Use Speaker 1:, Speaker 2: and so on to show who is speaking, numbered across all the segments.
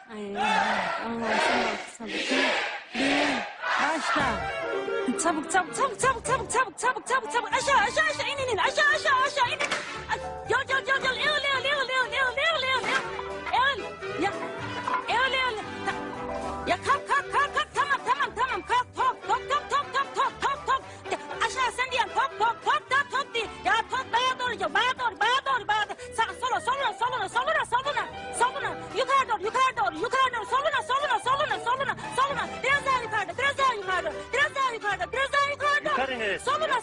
Speaker 1: Ay, Allah sabır. Bir, başla. Çabuk. Aşağı inin. Aşağı inin. Yol. Ya. Ya kalk. Tamam. Kalk. Top. Aşağı sen diyen top değil. Ya top bana doğru. Soluna. Yukarı doğru. Soluna. Biraz daha yukarıda.
Speaker 2: Yukarı neresi?
Speaker 1: Soluna.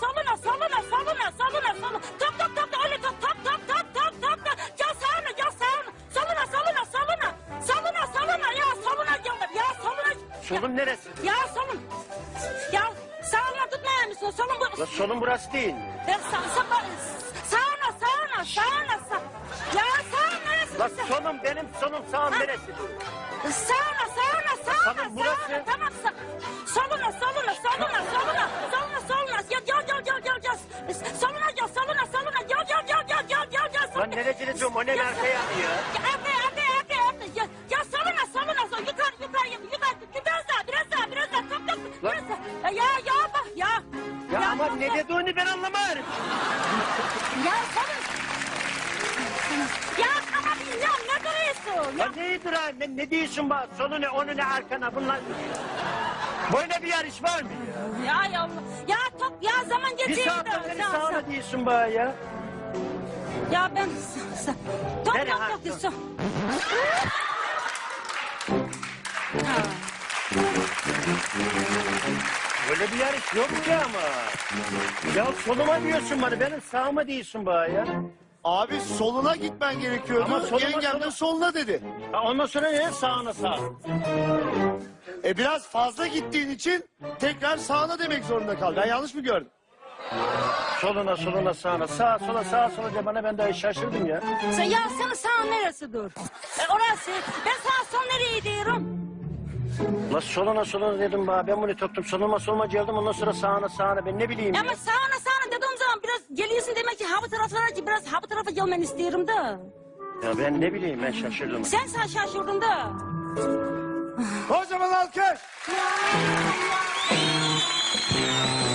Speaker 1: Top. Öyle top. Gel sağına. Soluna. Ya soluna.
Speaker 2: Solum neresi?
Speaker 1: Ya solun. Ya sağına tutmaya mısın? Solun bu.
Speaker 2: La solum burası değil mi?
Speaker 1: Ya sağına. Ya sağın neresi?
Speaker 2: La solum benim solum sağım neresi?
Speaker 1: Sağına.
Speaker 2: Solum burası.
Speaker 1: Tamam. Soluna. Soluna.
Speaker 2: Lan neresi diyorum o ne arkaya ya?
Speaker 1: Ya soluna. Yukarı. Biraz daha. Top.
Speaker 2: Lan.
Speaker 1: Ya.
Speaker 2: Ya ama ne dediğini ben anlamadım.
Speaker 1: Ya solun. Ya tamam ya ne duruyorsun?
Speaker 2: Lan neyidir ha? Ne diyorsun bana? Solu ne, onu ne, arkana bunlar. Böyle bir yarış var mı ya?
Speaker 1: Ya top ya zaman
Speaker 2: Bir
Speaker 1: geçiyor.
Speaker 2: saatten beri sağına diyorsun bana ya.
Speaker 1: Ya ben top
Speaker 2: Nereye
Speaker 1: yok
Speaker 2: ha?
Speaker 1: diyorsun.
Speaker 2: Böyle bir yarış yok ki ama. Ya soluma diyorsun bana, benim sağıma diyorsun bana ya.
Speaker 3: Abi soluna gitmen gerekiyordu.
Speaker 2: Ama soluma,
Speaker 3: Yengem de
Speaker 2: soluma.
Speaker 3: soluna dedi.
Speaker 2: Ha, ondan sonra ne? Sağına sağ.
Speaker 3: Biraz fazla gittiğin için tekrar sağına demek zorunda kaldı. Ben yanlış mı gördüm?
Speaker 2: Soluna sağına. Sağa sola de bana, ben de şaşırdım ya.
Speaker 1: Ya senin sağ neresi dur? Orası. Ben sağ son nereye diyorum?
Speaker 2: La soluna dedim bana, ben bunu tuttum. Soluma geldim, ondan sonra sağına. Ben ne bileyim ya.
Speaker 1: Ama sağına dediğim zaman biraz geliyorsun demek ki ha bu tarafa gelmeni istiyorum da.
Speaker 2: Ya ben ne bileyim, ben şaşırdım.
Speaker 1: Sen şaşırdın da.
Speaker 3: Kocaman alkış.